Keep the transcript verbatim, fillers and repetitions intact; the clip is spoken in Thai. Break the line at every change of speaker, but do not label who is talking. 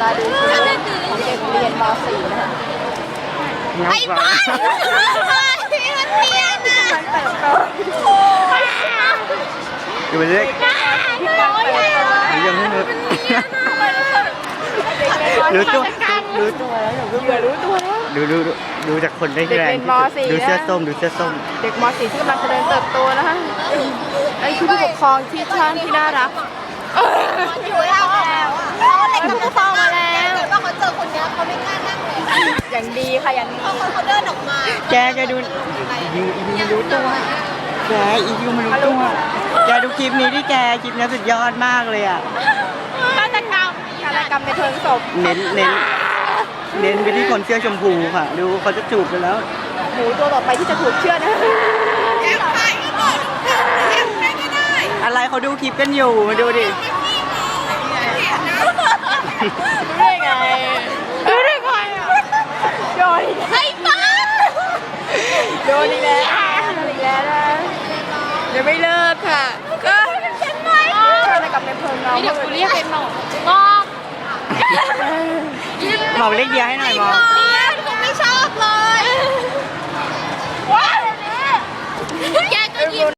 มาดูชุดของเด็กเรียนม .สี่ นะคะ
ไอ้บ้าพี่มันเนียนอ่ะมันเติบโต
อยู่เล็กยังไม่รู้รู้ตัวรู้ตัวแล้วอย่ารู้ตัวดูดูดูจากคนได้แรงดูเสื้อส้มดูเสื้อส้ม
เด็กม .สี่ ที่กำลังเจริญเติบโตนะคะไอ้ผู้ปกครองที่ช่างที่น่ารัก
อยู่แล้วเขาเล็กกับฟองมาแล้วแต่ว่าเขาเจอคนนี้เขาไม่กล้านั่งเลย
อย่างดีค่ะอย่างดี
เขาเขาเดินออกมา
แกแกดูยูอียูรู้ตัวแกอียูมันรู้ตัวแกดูคลิปนี้ที่แกคลิปนี้สุดยอดมากเลยอ่ะ
ฆาตกรรมฆาตกรรมในเพิงศพ
เน้นเน้นเน้นไปที่คนเสื้อชมพูค่ะดูเขาจะจูบกันแล้ว
หมูตัวต่อไปที่จะถูกเชือดนะ
แอบถ่ายก็หมดแอบไม่ได้
อะไรเขาดูคลิปกันอยู่มาดูดิ
รู้ได้ไงรู้ได้ไงอ่ะโดน
ไอ้บ้า
โดนอีกแล้วอีกแล้วนะเดี๋ยวไม่เลิกค่ะก็
ฉันไหม
อะไรกับในเพิงเรา
เดี๋ยวกูเรียกเป็นหมอกหมอก
หมอกเล็กเดียวให้หน่อยหมอก
เนี่ยกูไม่ชอบเลยว้าวแกก็ยิ้ม